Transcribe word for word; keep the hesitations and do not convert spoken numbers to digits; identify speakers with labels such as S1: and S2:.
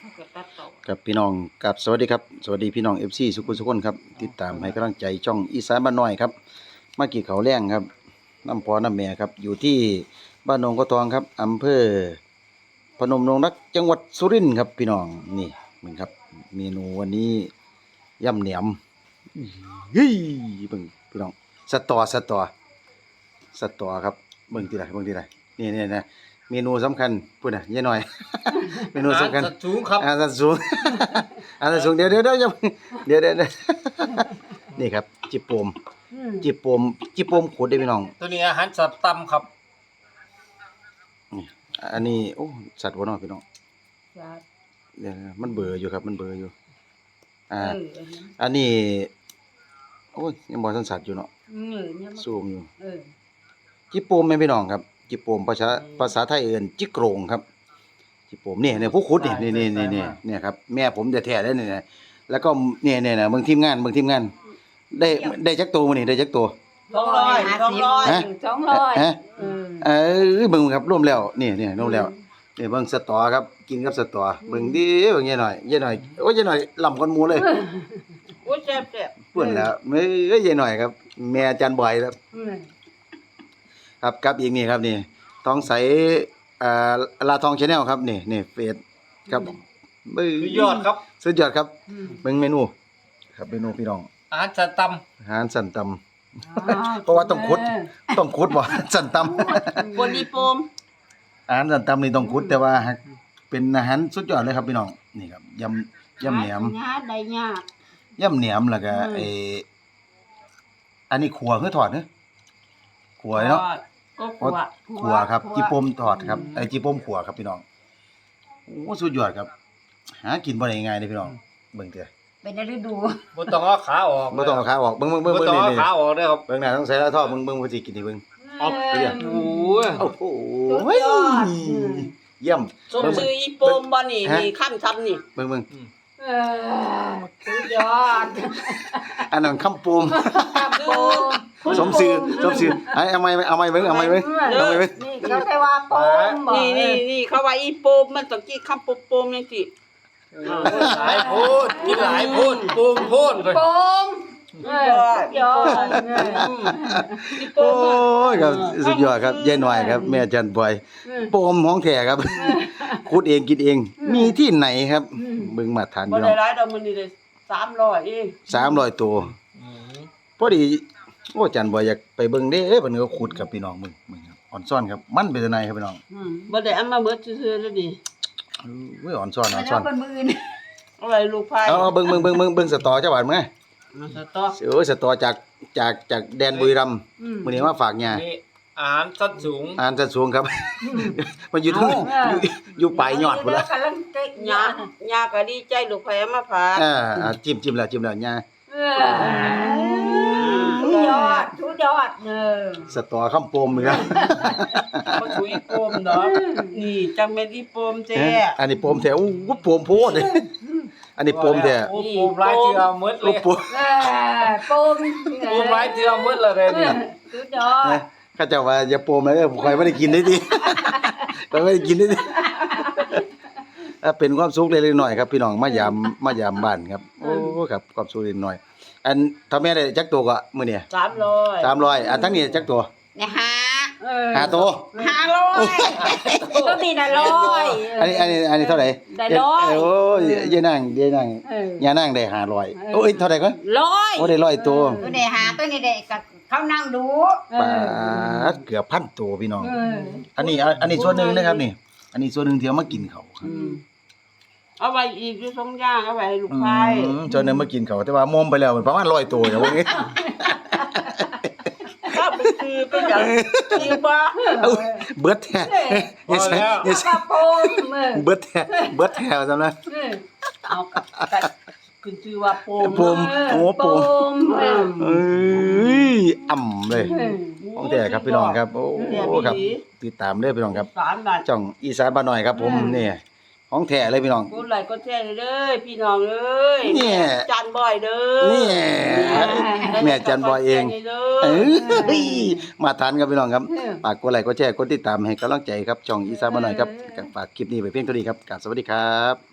S1: ครับพี่น้องกับสวัสดีครับสวัสดีพี่น้อง เอฟ ซี สุขุมสุขคนครับติดตามให้กำลังใจช่องอีสานบ้านน้อยครับมากี่เขาแรงครับน้ำพอน้ำแม่ครับอยู่ที่บ้านหนองกระทองครับอำเภอพนมดงรักจังหวัดสุรินทร์ครับพี่น้องนี่มึงครับเมนูวันนี้ยำเหนียมเฮ้ยเบิ่งพี่น้องสตอสตอสตอครับเบิ่งทีไรเบิ่งทีไรนี่นี่นะเมนูสำคัญพูดน่ะยายหน่อย เมนูสำคัญ
S2: สัตว์สูงครับ
S1: อาสัตว์สูง อาสัตว์สูงเดี๋ยวเดี๋ยวเดี๋ยวเดี๋ยวเดี๋ยวนี่ครับจิโปมจิโปมจิโปมขูดได้พี่น้อง
S2: ตัวนี้อาหารสัตว์ตำครับ
S1: นี่อันนี้โอ้สัตว์บ่เนาะพี่น้องเดี๋ยวมันเบื่ออยู่ครับมันเบื่ออยู่อ่าอันนี้โอ้ยยังบ่ทันสัตว์อยู่เนาะซูมอยู่จิโปมแม่พี่น้องครับจิโปมภาษาภาษาไทยเอิ้นจิโกรงครับจิโปมนี่เนี่ยผู้ขุดนี่นี่นี่นี่นี่เนี่ยครับแม่ผมแท้ๆเลยนี่แล้วก็เนี่ยเนี่ยนะเบิ่งทีมงานเบิ่งทีมงานได้ได้จักตัวมื้อนี้ได้จักตัว
S2: สองร้อยสองร้อย
S3: สองร้อย
S1: ฮะเออเบิ่งครับรวมแล้วนี่นี่รวมแล้วนี่เบิ่งสตอครับกินกับสตอเบิ่งดิเบิ่งยายหน่อยยายหน่อยโอ้ยยายหน่อยล้ำกว่าหมู่เลย
S2: โอ้ยแซ่บแซ่บ
S1: เพิ่นแล้วเอ้ยยายหน่อยครับแม่อาจารย์บอยครับครับกับอีกนี่ครับนี่ทองใสอ่าลาทอง Channel ครับนี่นี่เฟซครับ
S2: สุดยอดครับ
S1: สุดยอดครับเบิ่งเมนูครับเมนูพี่น้อง
S2: อาหารสัตว์ตำ
S1: อาหารสั่นตำเพราะว่าต้องขุดต้องขุดบ่สั่นตำ
S2: บนอีโปม
S1: อาหารสั่นตำนี่ต้องขุดแต่ว่าเป็นอาหารสุดยอดเลยครับพี่น้องนี่ครับยำยำแหนม
S3: ได้ยาก
S1: ยำแหนมแล้วก็ไอ้อันนี้ขัวคือทอดเด้อขัวเนาะ
S3: ขัว
S1: ขัวครับจิปมทอดครับไอ้จิปมขัวครับพี่น้องโอ้สุดยอดครับหากินบ่ได้ง่ายๆเด้พี่น้องเบิ่งเถอะ
S3: เป็นฤดู
S2: บ่ต้องเอาขาออก
S1: บ่ต้องเอาขาออกเบิ่งๆๆๆนี่บ่
S2: ต้องเอาขาออกเด้อครับ
S1: เบิ่งหน้าต้องใส่แล้วทอดเบิ่งเบิ่งว่าสิกินให้เบิ่ง
S2: ออกเด้อโอ้โห
S1: โอ้ยเยี่ยม
S2: สมชื่ออีโปมบ่นี่นี่คั่นซ้ำนี่
S1: เบิ่งๆ
S3: เออสุดยอด
S1: อันนั้นคำปมสมชื่อสมชื่อเอาใหม่เอาใหม่เบิ่งเอาใหม่เบิ่งเอาใหม่เบิ่ง
S3: นี่เขาได้ว่าปม
S2: นี่นี่ๆเขาว่าอีโปมมันต้องกินคำปมๆจังซี่หลายโพดกินหลายโพดปมโพด
S3: ปมเออยอด
S1: โอ้ยครับสุดยอดครับยายหน่อยครับแม่จันบอยปมของแท้ครับขุดเองกินเองมีที่ไหนครับเบิ่งมาทาน
S2: บ่ได้หลายดอกมื้อนี้ได้สามร้อยเอง
S1: สามร้อยตัวพอดีโอ้จันบอยอยากไปเบิ่งเด้เพิ่นก็ขุดกับพี่น้องมึงมึงครับอ่อนซ่อนครับมันเป็นจังไดครับพี่น้อง
S2: บ่ได้เอามาเบิดซื่อๆแล้วดิ
S1: เว้ยอ่อนซ่อนอ่อนซ่อน
S2: เอาไว้ลูกพาย
S1: เอาเบิ่งเบิ่งเบิ่งเบิ่งเบิ่งสตอจังหวัดมั้ย
S2: สตอ
S1: เออสตอจากจากจากแดนบุรีรัมย์มื้อนี้มาฝากย่า
S2: นี่อาหารสัตว์สูง
S1: อาหารสัตว์สูงครับมันอยู่ทุ่งอยู่อยู่ปลายยอดพุ่นล่ะ
S2: ย่าย่าก็ดีใจลูกพายมาฝาก
S1: อ่าจิ้มจิ้มแล้วจิ้มแล้วย่า
S3: สุดยอดสุดยอดเออ
S1: สตอคำปมนี่ครับ
S2: บ่ถูอีโปมดอกนี่จังแม่นอีโปมแท้
S1: อันนี้ปมแท้อู้ปมโพดเลยอันนี้ปมแท้
S2: โอ้ปมหลายเทื่อหมดเลย
S3: เออปม
S2: ปมหลายเทื่อหมดแล้วเด้นี่
S3: สุดยอด
S1: ข้าเจ้าว่าอย่าปมเลยเด้อผมค่อยบ่ได้กินได้ติค่อยบ่ได้กินได้ติเป็นความสุขเล็กๆน้อยๆครับพี่น้องมายามมายามบ้านครับโอ้ครับความสุขเล็กน้อยอันถ้าแม่ได้จักตัวก็มื้อนี้
S2: สามร้อย
S1: สามร้อยอันทั้งนี้จักตัว
S3: เนี่ยห้าเออ
S1: ห้าตัว
S3: ห้าร้อยตัวนี้น่ะร้อย
S1: อันนี้อันนี้อันนี้เท่าไหร่
S3: ได้ร้อย
S1: โอ้ยยายนางยายนางยายนางได้ห้าร้อยโอ้ยเท่าไหร่ก่อน
S3: ร้อย
S1: โอ้ได้ร้อยตัว
S3: ตัวนี้ห้าตัวนี้ได้ก็เขานั่งดู
S1: ปาดเกือบพันตัวพี่น้องอันนี้อันนี้ส่วนนึงนะครับนี่อันนี้ส่วนนึงที่เอามากินเขาครับ
S2: เอาไว้อีกอยู่สองอย่างเอาไว้ให้ลูกชาย
S1: อืมจนนึงมากินเขาแต่ว่ามอมไปแล้วประมาณร้อยตัวอย่างพวกนี้
S2: ถ้าไปซื้อไปอย่างกินบ่
S1: เบิดแท้อย่าใส่อย่าใส่เบิดแท้เบิดแท้ซั่นนะ
S2: เอาขึ้นชื่อว่าโปม
S1: โปมโอ้โปมเอ้ยอ่ำเลยของแท้ครับพี่น้องครับโอ้ครับติดตามเด้อพี่น้องครับช่องอีสานบ้านน้อยครับผมนี่ของแท้เลยพี่น้อง
S2: กดไลค์กดแชร์เด้อพี่น้องเอ้ย
S1: นี่
S2: จันบอยเด้อ
S1: นี่แม่จันบอยเองเอ้ยมาทานครับพี่น้องครับฝากกดไลค์กดแชร์กดติดตามให้กำลังใจครับช่องอีสานบ้านน้อยครับฝากคลิปนี้ไปเพียงเท่านี้ครับกราบสวัสดีครับ